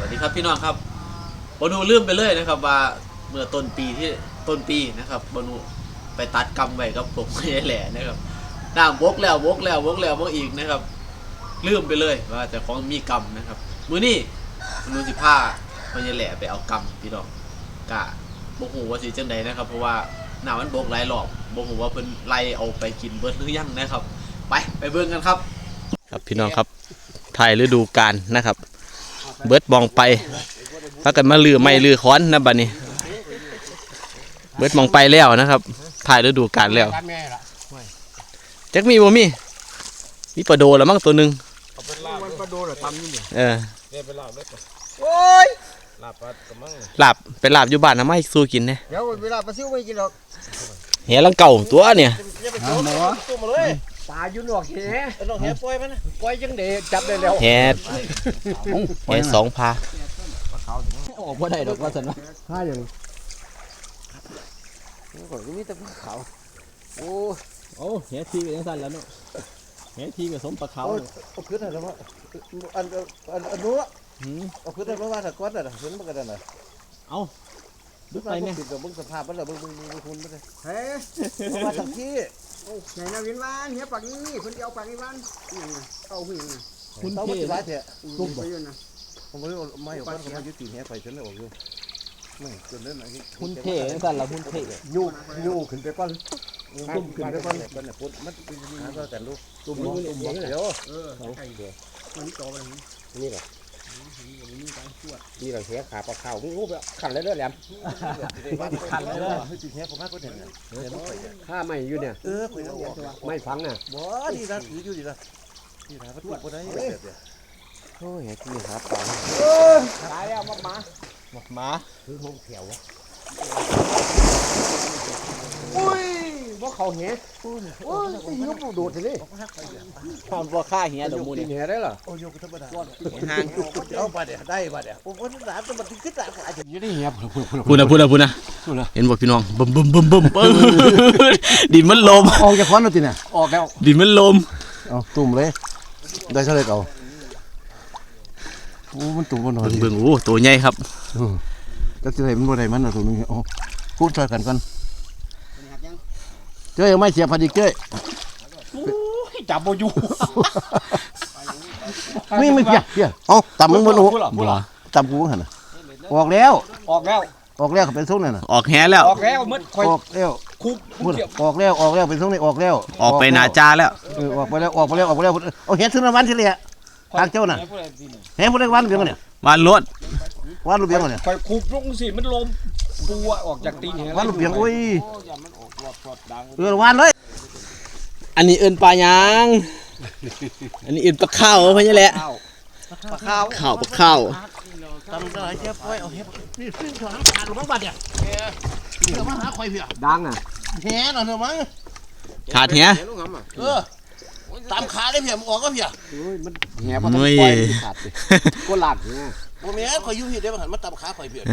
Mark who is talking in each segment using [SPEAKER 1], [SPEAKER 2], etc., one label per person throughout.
[SPEAKER 1] วัสดีครับพี่น้องครับบอนูลืมไปเลยนะครับว่าเมื่อต้นปีนะครับบอนูไปตัดกำไว้กับผมไม่แหล่นะครับน้ำวกแล้ววกอีกนะครับลืมไปเลยว่าจะของมีกำนะครับมื้อนี้บอนูสิพาไม่แหล่ไปเอากำพี่น้องกะโมโหว่าสิจังใดนะครับเพราะว่าน้ำมันบกหลายรอบโมโหว่าเพิ่นไล่เอาไปกินเบิดหรือยังนะครับไปเบิ่งกันครับครับพี่น้องครับถ่ายฤดูกาลนะครับเบิดมองไปถ้ากันมาลือไม่ลือค้อนนะบัดนี้เบิดมองไปแล้วนะครับถ่ายฤดูกาลแล้วจักมีบ่มีปลาโดแล้วมั้งตัวนึง
[SPEAKER 2] ปลาโดเหรอทำนี่
[SPEAKER 1] เนี่ย
[SPEAKER 2] ไปลาบเลย
[SPEAKER 1] โอ้ย
[SPEAKER 2] ลาบปลากระมัง
[SPEAKER 1] ลาบเป็นลาบอยู่บ้านนะไม่สู้กินเนี่ย
[SPEAKER 2] เดี๋ยวเวลาปลาซิวไม่กินหรอก
[SPEAKER 1] เหี้ยลังเก่าตัวเนี่ย
[SPEAKER 2] ตัวมาเลยปลาอยู่หนวกแหหนวกแหปล่อยมันปล่อยจังเด็จับได้แล้ว
[SPEAKER 1] แหสองพา
[SPEAKER 2] ออกมาได้ดอกว่าสันวะถ้าอย่างนี่ก็มีแต่ปลาขาว
[SPEAKER 1] โอ้แหทีเป็นสั้นแล้วเนาะแหทีกับสมปลาขาว
[SPEAKER 2] เอาขึ้นอะไรวะอันนู้นเอาขึ้นอะไรว่าถ้าก้อนอะไรขึ้นมันก็ได้นะ
[SPEAKER 1] เอาดูไปเนี่ย
[SPEAKER 2] ติดกับบึ้งสภาพมันเลยบึ้งคุณไม่ได้เฮ้ยมาจากที่ไหนนาวินวานเฮียปากนี้คนเดียวปากนี้วานยังไงเอาผู้หญิงคุณเท่ร้ายเถอะกลุ่มไปอยู่นะผมไม่เอาคนมายึดตีเฮียไปฉันเลยออกอยู่ไม่จนเล่นอะไร
[SPEAKER 1] คุณเท่สั้นละคุณเท่
[SPEAKER 2] ยูขึ้นไปก้อนตุ้มขึ้นไปก้อนก้อนเนี่ยปุ๊บมันหาแต่ลูกตุ้มเดี๋ยวมันโตไปนี่แหละนี่เราเสียขาปลาข้าวมึงรู้แบบขันเลยแหลม
[SPEAKER 1] ขันเลย
[SPEAKER 2] ให้ตีเฮียผมมากก็เห็นเนี่ย
[SPEAKER 3] ถ้าไม่อยู่เนี่ยไม่ฟังน่ะ
[SPEAKER 2] บ่ดีนะอยู่ดีนะดีนะก็ตุ้มคนได้โอ้ยที่หาปลา
[SPEAKER 3] ตายแล้ว
[SPEAKER 1] มา
[SPEAKER 3] คือห้องแถวอุ้ยว่าเขาเหี้ยโอ้ยยุบดูดเลย
[SPEAKER 1] ความว่าค่าเหี้ยดอกมูล
[SPEAKER 3] เหี้ยได้หรอ
[SPEAKER 2] โอ้ยกธรรมดาห่างเอาไปเดี๋ยวได้ไปเดี๋ยวผมว่าหลานจะมาถึงขึ้นหลานอาจจะ
[SPEAKER 3] ยืดได้เหี้ย
[SPEAKER 1] พูดนะเห็นบอกพี่น้องบึ้มดินมันลม
[SPEAKER 3] ออกจากควันแล้วทีเนี่ยออกแล้ว
[SPEAKER 1] ดินมันลม
[SPEAKER 3] เอาตุ่มเลยได้เท่าไรเก่าโอ้มันตุ่มบนหน่อย
[SPEAKER 1] เบิ่งโอ้ตัวใหญ่ครับ
[SPEAKER 3] ก็จะได้มันบนไหนมันตัวนึงโอ้พูดช่วยกันก่อนเจ้ยไม่เสียพอดีเจ้ย
[SPEAKER 1] จับโบยู
[SPEAKER 3] ไม่เพี้ยเอาต่ำมึงบนหัวต่ำกูหันออกแล้วเป็นซุ้งนี่นะ
[SPEAKER 1] ออกแห่แล้ว
[SPEAKER 3] ออกแล้ว
[SPEAKER 1] คุก
[SPEAKER 3] ออกแล้วเป็นซุ้งนี่ออกแล้ว
[SPEAKER 1] ออกไปนาจาแล้ว
[SPEAKER 3] ออกไปแล้วเอาเห็ดซื้อวันที่เลยทางเจ้าน่ะเห็ดพวกนี้วันเบี้ยงเนี่ย
[SPEAKER 1] วันรถ
[SPEAKER 3] วันลูกเบี้ยงเนี่ย
[SPEAKER 2] คอยคุบลงสิมันลมปัวออกจากตีนเห็น
[SPEAKER 3] วันลูกเบี้ยงโอ้ยวันเลย
[SPEAKER 1] อันนี้เอินปลายางอันนี้เอินปลาข้าวเพราะนี่แหละ
[SPEAKER 3] ปลาข้าว
[SPEAKER 2] ทำอะไรเชฟปล่อยเอาเห็ดนี่ซึ่งเขาทำขาดหรือมั้งบัดเนี่ยเดี๋ยวมาหาคอยเพีย
[SPEAKER 3] ดังอ่ะ
[SPEAKER 2] แหน่หน่อยเถอะมั้ง
[SPEAKER 1] ขาดแห
[SPEAKER 2] ตามขาได้เพียมออกก็เพีย
[SPEAKER 3] มันแหมันปล่อยขาดก็หลักเนี่ย
[SPEAKER 2] ผมแม่คอยยุ่งหิดได้บ้างหันมาตามขาคอยเพีย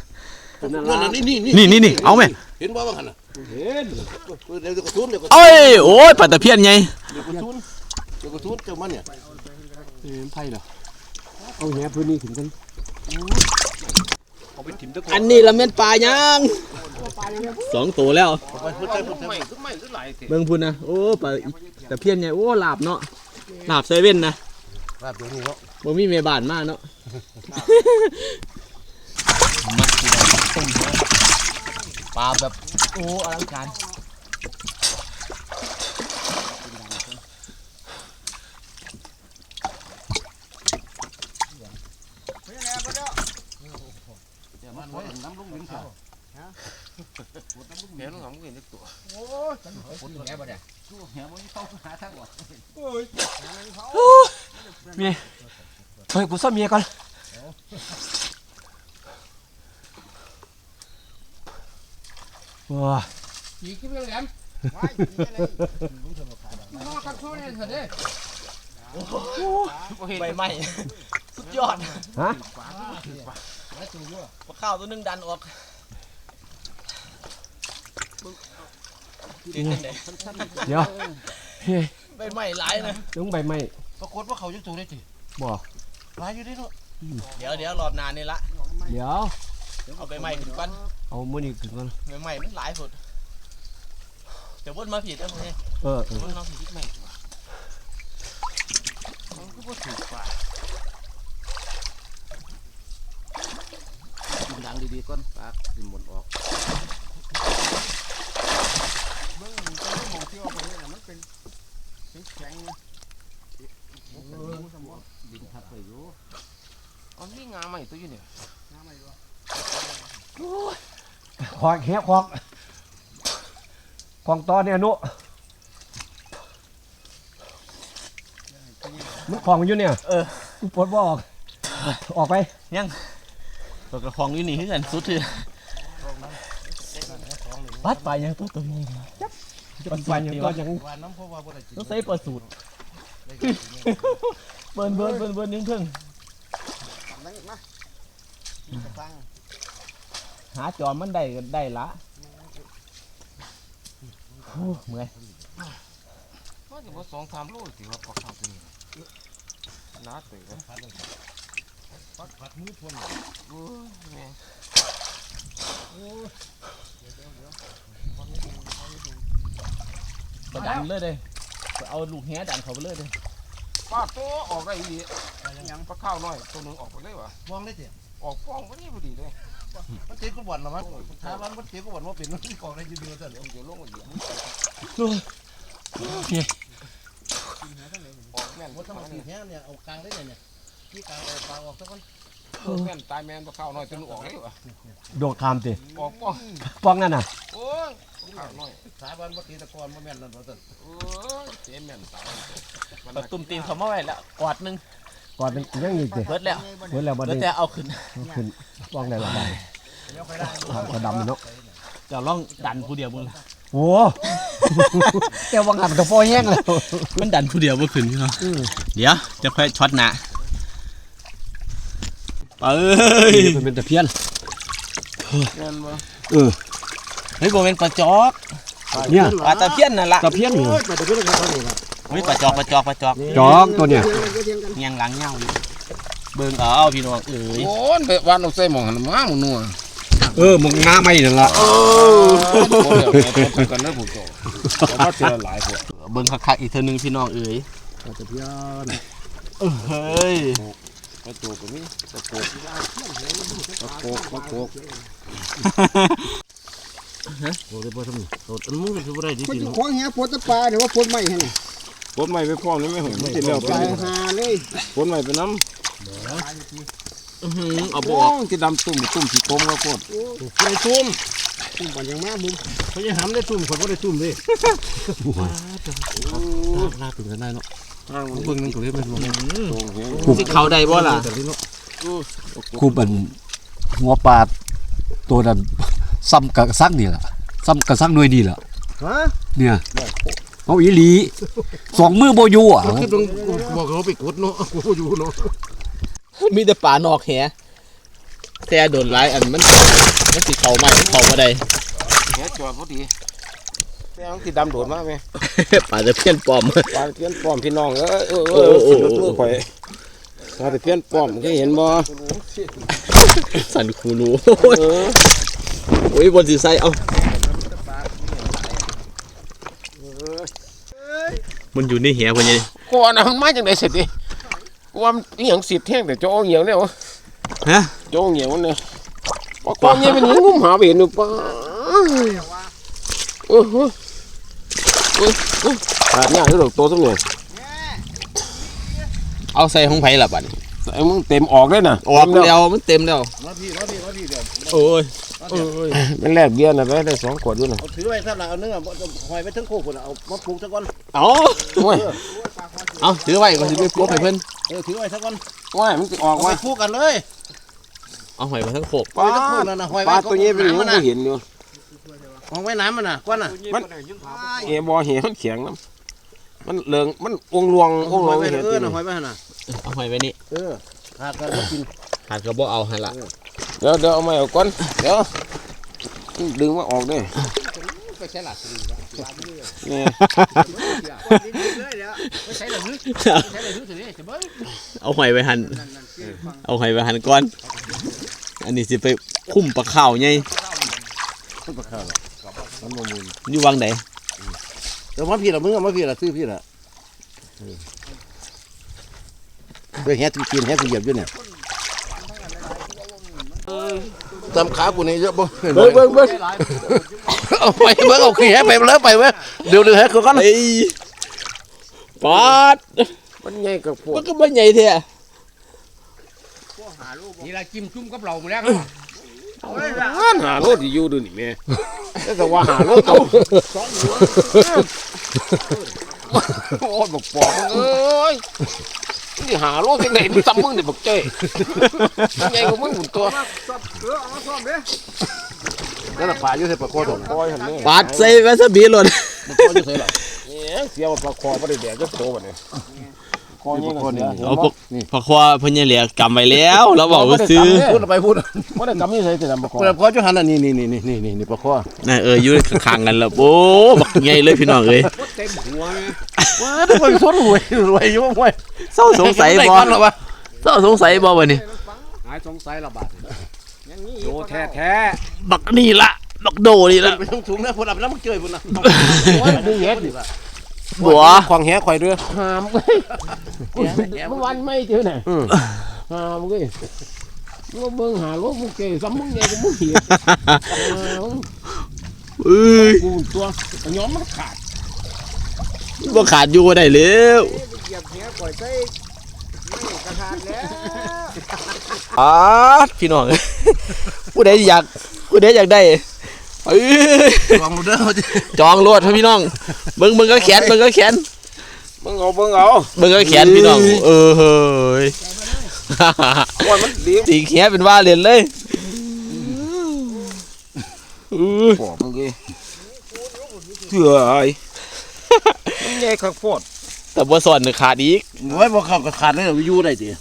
[SPEAKER 1] นี่เอาไหม
[SPEAKER 2] เห็นบ่บ้างหันอ่ะ
[SPEAKER 3] เห็น
[SPEAKER 2] เดี๋ยวกระทุน
[SPEAKER 1] โอ้ยปลาตะเพียนไง
[SPEAKER 2] เดี๋ยวกระทุนเจ้ามันเนี่ย
[SPEAKER 3] ไผ่เหรอเอาแหพื้นนี้ถึงกัน
[SPEAKER 1] อันนี้ละเม็ดปลายาง2 ตัวแล้วเบิ่งพุ่นนะโอ้ปลาตะเพียนไงโอ้ลาบเนาะลาบเซเว่นนะ
[SPEAKER 2] ลาบตัวนี้เนาะ
[SPEAKER 1] บ่มีเมบานมากเนาะปลาแบบโอ้อลังการ
[SPEAKER 2] น้ำลุกลิ้นเถอะแหน้ำลุกลิ้นตัวโอ้ยคนแหบ่ได้แหบ่มีเข้าหาทางออก
[SPEAKER 1] เมียเฮ้ยกูซ่อมเมียก่อนว้า
[SPEAKER 2] อีกกี่เรื่องแหลมนอกจากช่วยเนี่ยเถอะเด้
[SPEAKER 1] ใบไม้สุดยอด
[SPEAKER 3] ฮะ
[SPEAKER 1] ปลาข้าวตัวนึงดันออก
[SPEAKER 3] เดี๋ยว
[SPEAKER 1] ใบไม้หลายนะ
[SPEAKER 3] ต้องใบไม้
[SPEAKER 2] ปรากฏว่าเขาจะถูกได้จี
[SPEAKER 3] บ่
[SPEAKER 2] หลายอยู่ได้เนาะ
[SPEAKER 1] เดี๋ยวรอบนานนี่ละ
[SPEAKER 3] เดี๋ยว
[SPEAKER 1] เอาไปใหม่ถึงก่อน
[SPEAKER 3] เอามื้อนี้ขึ้นก่อน
[SPEAKER 1] ใหม่มันหลายสุดเดี๋ยววนมาผิดแล้วมึงเนี่ย
[SPEAKER 3] เออ
[SPEAKER 1] วนมาผิดใหม่มันก็บ่ถูกกว่า
[SPEAKER 3] กินดังดีๆก่อนปากสิหมดออก
[SPEAKER 2] เบิ่งมันก็มองที่เอาไปเนี่ยมันเป็นแข็งๆนะ
[SPEAKER 3] ดินทับไปอยู่
[SPEAKER 1] อ๋อนี่งาใหม่ตัวอยู่เนี่ย
[SPEAKER 2] น้ำไม่รู้
[SPEAKER 3] ขอกแหกของตอนเนี่ยนุมันของอยู่เนี่ยปลดบ่ออกไป
[SPEAKER 1] ตัวกระฟองอยู่นี่คือกันสุดที่
[SPEAKER 3] ปัดไปยังตัวนี้ปัดไปยังก็ยัง
[SPEAKER 1] ต้องใส่ประสูตรเบิ้นยังเพิ่ง
[SPEAKER 2] นั่งมาฟัง
[SPEAKER 1] หาจอมมันได้ละเมื่อย
[SPEAKER 4] ว่าจะว่า2-3 โลสิว่าปลาขาวตัวนี้น้าเตยผัดมือทวนโอ้ยแม่
[SPEAKER 1] ดันเลยเด้เอาลูกแหดันเขาไปเลยเด้
[SPEAKER 4] ปลาโตออกได้อียังปลาข้าวน้อยตัวนึงออกไปเลยวะ
[SPEAKER 2] วางได้เถอะ
[SPEAKER 4] ออกฟ้องพอดีเลย
[SPEAKER 2] มันเจ๊ก็บ่นนะมั้งถ้ามันเจ๊ก็บ่นว่าเป็นมันกองได้ยืนๆแต่เดี๋ยว
[SPEAKER 4] เดี๋ยวลงมาเดี๋ยวออกแม่น
[SPEAKER 2] ว่าถ้ามันสีแห้งเนี่ยเอากลางได้เนี่ยที่กลางเอาปลาออกสักคน
[SPEAKER 4] แม่นตายแม่นปลาข้าวน้อยตัวนึงออกเลยวะ
[SPEAKER 3] โดดคามติ
[SPEAKER 4] ออกฟ้อง
[SPEAKER 3] ป้องนั่นน่ะ
[SPEAKER 4] โอ้ยข้าวน้อย
[SPEAKER 2] สาบานว่าตีตะกอนว่าแม่นนั่นว่าแต่
[SPEAKER 4] โอ้ยเจ๊แม่นตาย
[SPEAKER 1] เอาตุ่มตีนเขามาไว้แล้วกอดนึง
[SPEAKER 3] ก่อนเป็นยังอีกติ
[SPEAKER 1] เบิดแล้ว
[SPEAKER 3] เมื่อแล้วบ่
[SPEAKER 1] แล้ว
[SPEAKER 3] ได้
[SPEAKER 1] แต่เอาขึ้น
[SPEAKER 3] ขึ้นป้องได้บ่ได้ก็ดำเนาะ
[SPEAKER 1] จะลองดันผู้เดียวมึง
[SPEAKER 3] โอ้แต่ว่าหันกับฟอแห้งแล้ว
[SPEAKER 1] มันดันผู้เดียวบ่ขึ้นพี่น้องเดี๋ยวจะค่อยช็อตหน้าเอ้ย
[SPEAKER 3] มันเป็นตะเพียน
[SPEAKER 4] แม่นบ่
[SPEAKER 3] เออ
[SPEAKER 1] เฮ้ยบ่แม่นปลาจอก
[SPEAKER 3] เนี่ย
[SPEAKER 1] ปลาตะเพียนนั่นล่ะ
[SPEAKER 3] ตะเพียนนี่
[SPEAKER 2] แต่ตะเพียนก็เขาเนี่ย
[SPEAKER 1] เฮ้ยปลาจอก
[SPEAKER 3] จอกตัวเนี่ย
[SPEAKER 1] เงียงหลังเหย้าอยู่เบิ่งเอาพี่น้องเอ้ย
[SPEAKER 4] โอ้ยไปวันเอาใส่หม้อหันมาหมูนัว
[SPEAKER 3] มึงงาไม่นั่นล่ะ
[SPEAKER 4] โอ้ยกันเด้อผู้โตว่าเจอหลายพวก
[SPEAKER 1] เบิ่งคักๆอีกเทื่อนึงพี่น้องเอ้ย
[SPEAKER 3] ตะเพียน
[SPEAKER 1] เฮ้ย
[SPEAKER 4] ปลาโตก็มีปลาโกกปลาโกก
[SPEAKER 3] โอ้ได้บ่ทำนี่โดดอันมึงก็สิบ่ได้ดิ
[SPEAKER 2] คน
[SPEAKER 3] สิ
[SPEAKER 2] ของเหี้ยปวดตะปลาหรือว่าปวดไม่ให้
[SPEAKER 4] ปนใหม่ไปพร้อมนี่ไม่เห็นมันสิแล้วไป
[SPEAKER 2] ตายหาเลย
[SPEAKER 4] ปนใหม่ไปน้ำ
[SPEAKER 1] เอา
[SPEAKER 4] โอ้
[SPEAKER 1] บ่ออก
[SPEAKER 4] ที่ดำตุ่มสีกลมก็โคตร
[SPEAKER 2] ไปซุ่มซุ่มบ่ยังมามุม
[SPEAKER 3] เขาจะหามได้ซุ่มคนบ่ได้ซุ่มเด้ลาถึงกันได้เนาะ
[SPEAKER 4] ทางมัน
[SPEAKER 3] เบิ่งนึงก็เลยมันบ่
[SPEAKER 4] ตรงเหี้ย
[SPEAKER 1] สิเข้าได้บ่ล่ะ
[SPEAKER 3] คูเป็นหัวปลาตัวนั้นซ้ำกะซักนี่ล่ะซ้ำกะซักหน่วยนี่ล่ะ
[SPEAKER 2] ฮะ
[SPEAKER 3] เนี่ยเอาอีหลีสองมือบ่อยู่อ่ะ
[SPEAKER 2] คลิปลงบอกเขาไปกดเนาะกูอยู่เนาะ
[SPEAKER 1] มีแต่ปลานอกแหแต่โดนหลายอันมันสิเข้าใหม่มันเข้าบ่ได้
[SPEAKER 4] เหี้ยจอดพอดีแต่ต้องที่ดำโดดมาไหม
[SPEAKER 1] ปลาตะเพียนปลอม
[SPEAKER 4] ปลาเพี้ยนป้อมพี่น้องสิรถมือข่อยปลาเพี้ยนป้อมเคยเห็นบ่
[SPEAKER 1] สั่นคูรูโอ้ยบนสิใส่เอามันอยู่ในแหพุ่นนี่
[SPEAKER 4] กูว่านะมันมาจังได๋เสร็จดิกูว่ามันอีหยังสิแท่งแต่โจเหี่ยวแล้ว
[SPEAKER 1] ฮะ
[SPEAKER 4] โจเหี่ยวเนี่ยปลาความเหี่ยวเป็นงุ้มหาไปเห็นอยู่ปลาหาดยากที่ดอกโตซะหน่อย
[SPEAKER 1] เอาใส่ของไผล่ะบัดนี้
[SPEAKER 4] ไอ้มึงเต็มออกเลยน่ะ
[SPEAKER 1] ออกแล้วมันเต็มแล้ว
[SPEAKER 2] มาพี่เดี๋ยว
[SPEAKER 1] โอ้ย
[SPEAKER 4] มันแลกเบียร์น่ะได้2 ขวดอยู่น่ะ
[SPEAKER 2] เอาถือไว้ถ้าเราเอาเนื้อหอยไปทั้งโคกคนเอามาปลูกซะก่อน
[SPEAKER 1] เอา
[SPEAKER 4] โอ้ย
[SPEAKER 1] เอาถือไว้ก่อนสิไปปลุกให้เพิ่น
[SPEAKER 2] ถือไว้ซะก่อน
[SPEAKER 4] โอ้ยมันสิออก
[SPEAKER 2] เอา
[SPEAKER 4] ว่า
[SPEAKER 2] ไปปลูกกันเลย
[SPEAKER 1] เอาหอยมาทั้งโคก
[SPEAKER 4] ปลา
[SPEAKER 2] ทั้งโคกนั่นน่ะหอย
[SPEAKER 4] ป
[SPEAKER 2] ไว้
[SPEAKER 4] ลาตัวนี้เป็นยัง
[SPEAKER 2] มัน
[SPEAKER 4] ไม่
[SPEAKER 2] น่ะ
[SPEAKER 4] เห็นอยู่
[SPEAKER 2] หอยไว้น้ำมันน่ะก้อนน่ะ
[SPEAKER 4] มันเอบอเหี่ยวมันแข็งน้ำมันเหลืองมันองลวง
[SPEAKER 2] หอยไว้
[SPEAKER 4] เห็น
[SPEAKER 2] เออน่ะหอยไว้หั่นน่ะ
[SPEAKER 1] เอาหอยไว้นี่
[SPEAKER 2] หากกันบ่กิน
[SPEAKER 1] หาดก็บ่เอาให้ละ
[SPEAKER 4] เดี๋ยวเอามาเอาก่อนเดี๋ยวดึงมาออกด้วย
[SPEAKER 2] ไปใช้หลักสิ
[SPEAKER 4] นี่
[SPEAKER 2] ไม่ใช่เลยใช่เลยสิจะเบิ้ง
[SPEAKER 1] เอาหอยไปหั่น
[SPEAKER 2] นั่นคือฟัง
[SPEAKER 1] เอาหอยไปหั่นก่อน อันนี้สิไปคุ้มปลาข้าวไง
[SPEAKER 2] ต้นปลาข้าวมันบ่มูล
[SPEAKER 1] อยู่วังไหน
[SPEAKER 2] เดี๋ยวมาพี่ละมึงเอามาพี่ละซื้อพี่ละเฮ้ยแฮตกินแฮตเหยียบอยู่เนี่ยตำขากูนี่เยอะบ่เบิ้งเอาไปเบิ้งเอาขี้แฮไปเลยไปเว้ยเดี๋ยวแฮคือกัน
[SPEAKER 1] เฮ้ยปอด
[SPEAKER 2] มันใหญ่กับพวก
[SPEAKER 1] มันก็บ่ใหญ่แท้
[SPEAKER 2] นี่ละจิ้มจุ่มกับเราหมดแล้ว
[SPEAKER 4] หาโลดอยู่ดูนี่แม่
[SPEAKER 2] แต่ว่าหาโลเอาโอ้ยบอกปอกเอ้ยนี่หาโลที่ไหนมึงซ้ำมึงเนี่ยบอกเจ้ยังไงก็มึงหมุนตัวแล้วปลาอยู่ใส่ปลาคอถงคอยหันนี่
[SPEAKER 1] ปาดใส่วาซาบิหล่น
[SPEAKER 2] มันคออยู่ใส่หรอเสียว่าปลาคอไม่ได้แดกก็โตวันนี้คอนี่
[SPEAKER 1] เอาพวกผักควาเพิ่นยังเหลือกำไว้แล้วเราบอกว่าซื้อ
[SPEAKER 2] พูดไปพูดไม่ได้กำนี่ใส่แต่ปลาคอปลาคอจุหันนี่ปลาคอ
[SPEAKER 1] น่ะอยู่ข้างๆกันแล้วโอ้บักใหญ่เลยพี่น้องเอ้ย
[SPEAKER 2] เต็มหัวเลยว้าทุกคนสดรวยอยู่มั้ย
[SPEAKER 1] เศร้าสงสัยบ่เศร้าสงสัยบ่วะนี่
[SPEAKER 2] หายสงสัยระบาดโดแท้
[SPEAKER 1] บักนี่ละบักโดนี่ละ
[SPEAKER 2] ไปทุ่งๆนะพุ่นอับแล้วมึงเจอพุ่นนะดูเฮ็ดดิ
[SPEAKER 1] บัว
[SPEAKER 2] ควางแหข่อยเด้อ
[SPEAKER 4] หามเว้ยเมื่อวันไม่เจอไหนหามเว้ยมึงเบิ่งหาโลมึงเก๋ซ้ำมึงไงกูมึงเหี้ย
[SPEAKER 1] เอ้ย
[SPEAKER 4] กูตัวย้อมมันขาด
[SPEAKER 1] บ่ขาดอยู่ได้แล้ว
[SPEAKER 2] เหยียบแหข่อยใส่ไม่กระทานแล้ว
[SPEAKER 1] อ๋อพี่น้องผู้ใดอยากได้เอ้ย
[SPEAKER 2] ลองดูเด้อ
[SPEAKER 1] จองรวดพี่น้องเบิ่งก็แขน
[SPEAKER 4] มึงเอา
[SPEAKER 1] เบิ่งก็แขนพี่น้องเฮ้ย
[SPEAKER 2] ว่ามันดี
[SPEAKER 1] ตีแขนเป็นว่าเล่นเลย
[SPEAKER 4] ปอบมึงเอ้ยเถื่อไอ้มึงใหญ่คักโพด
[SPEAKER 1] แต่บ่สอนขาดอีก
[SPEAKER 2] โอ้ยบ่เข้าก็ขาดเลยอยู่ได้ติ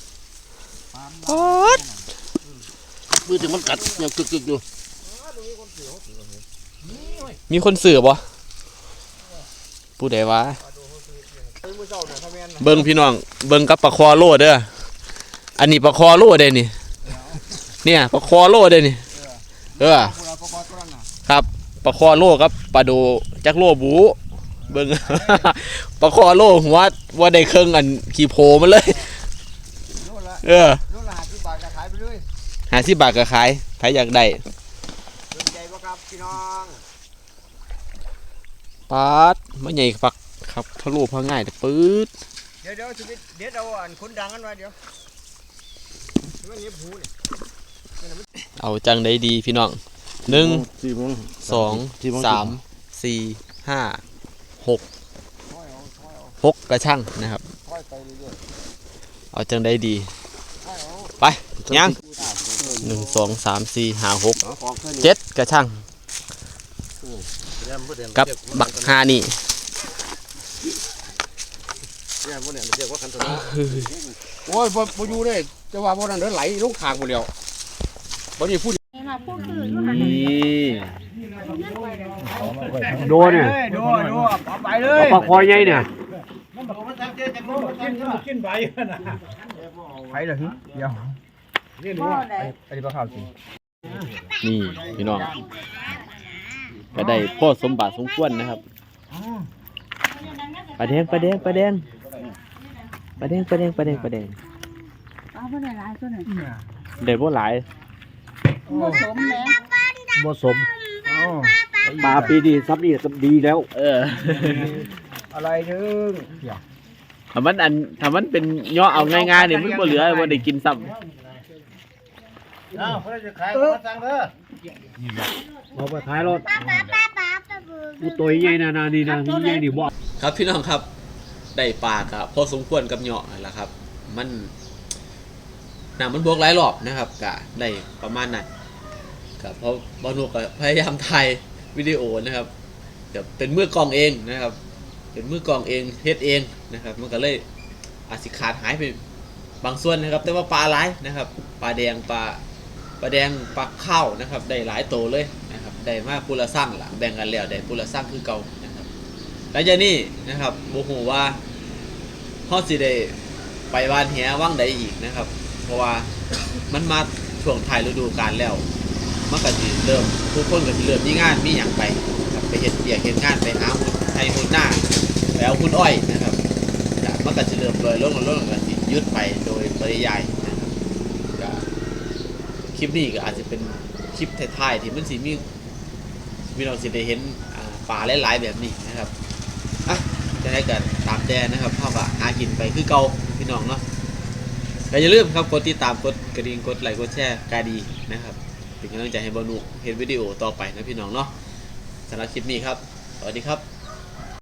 [SPEAKER 2] มือถึงมันกัดยังกึกๆอยู่
[SPEAKER 1] มีคนสื่อบ่ผู้ใดวะเบิ่งพี่น้องเบิ่งกับปลาคอโลเด้ออันนี้ปลาคอโลเด้นี่เนี่ยปลาคอโลเด้นี่ครับปลาคอโลกับปลาโดจักโลบูเบิ่ง ปลาคอโลหัวว่าได้เครื่องอันขี่โพมันเลยโลละ50 บาทก็ขายไปเลย50 บาทก็ขายใครอยากได้สนใจบ่ครับพี่น้องปาดมันใหญ่ปักครับทะลุพอง่ายแต่ปื๊ด
[SPEAKER 2] เดี๋ยวชีวิตเดี๋ยวเอาอันคนดังกันไว้เดี๋ยวมันเนียบหูนี่
[SPEAKER 1] เอาจังได้ดีพี่น้อง1 2 3 4 5 6กระช่างนะครับเอาจังได้ดีไปยัง1 2 3 4 5 6 7กระช่างกับบักฮานี่
[SPEAKER 2] โอ้ยบ่อยู่ได้จะว่าบ่นั่นเด้อไหลลงข้างหมดแล้วบ่นี่พูด
[SPEAKER 3] โดเนี่ย
[SPEAKER 2] ดูเอาไปเลย
[SPEAKER 3] ปลาคอยใหญ่เนี่ย
[SPEAKER 2] ไปเลยเดี๋ยวนี่รู้ไปปลาข้าวกิน
[SPEAKER 1] นี่พี่น้องก็ได้พ่อสมบัติสมควรนะครับปลาแดง
[SPEAKER 5] เอาไปได้หลายตัวหนึ่ง
[SPEAKER 1] ได้บ่หลาย
[SPEAKER 5] ผสมแล้ว
[SPEAKER 3] บ่สมปลาปีนี้ซับนี่ดีแล้ว
[SPEAKER 2] อะไรนึง
[SPEAKER 1] ถ้ามันเป็นย่อเอาง่ายๆเนี่ยมันบ่เหลือบ่ได้กินซ้ำ
[SPEAKER 2] อ้าวเพิ่นจะขายมาสั่งเด้อ
[SPEAKER 3] เอาไปขายรถกูตัวใหญ่นะนี่นะนี่ใหญ่นี่บ่
[SPEAKER 1] ครับพี่น้องครับได้ปลาครับพอสมควรกับเหยาะนั่นแหละครับ มันน้ำมันบวกหลายรอบนะครับกะได้ประมาณนั้นครับเพราะบอนุกพยายามถ่ายวิดีโอนะครับแต่เป็นมือกลองเองนะครับ เป็นมือกลองเองเฮ็ดเองนะครับ มันก็เลยอาจสิขาดหายไปบางส่วนนะครับ แต่ว่าปลาหลายนะครับปลาแดงปลาข้าวนะครับได้หลายโตเลยนะครับได้มากปุระสั่งล่ะแบ่งกันแล้วได้ปุระสั่งคือเก่านะครับหลังจากนี้นะครับโมโหว่าเฮาสิได้ไปวานแหว่างใดอีกนะครับ เพราะว่ามันมาช่วงท้ายฤดูกาลแล้วมันก็สิเริ่มทุกคนก็สิเริ่มมีงานมีหยังไปครับไปเฮ็ดเวียกเฮ็ดงานไปหาหุ้นไทยหุ้นหน้าไปเอาหุ้นอ้อยนะครับก็มันก็สิเริ่มลอยลงก็สิหยุดไปโดยปริยายนะครับก็คลิปนี้ก็อาจจะเป็นคลิปท้ายๆที่มันสิมีเราสิได้เห็นป่าหลายๆแบบนี้นะครับอ่ะจะได้กันตามแดนนะครับเฮาก็หากินไปคือเก่าพี่น้องเนาะก็อย่าลืมครับกดติดตามกดกระดิ่งกดไลค์กดแชร์กาดีนะครับเป็นกำลังใจให้บอนุเห็นวิดีโอต่อไปนะพี่น้องเนาะสำหรับคลิปนี้ครับสวัสดีครับ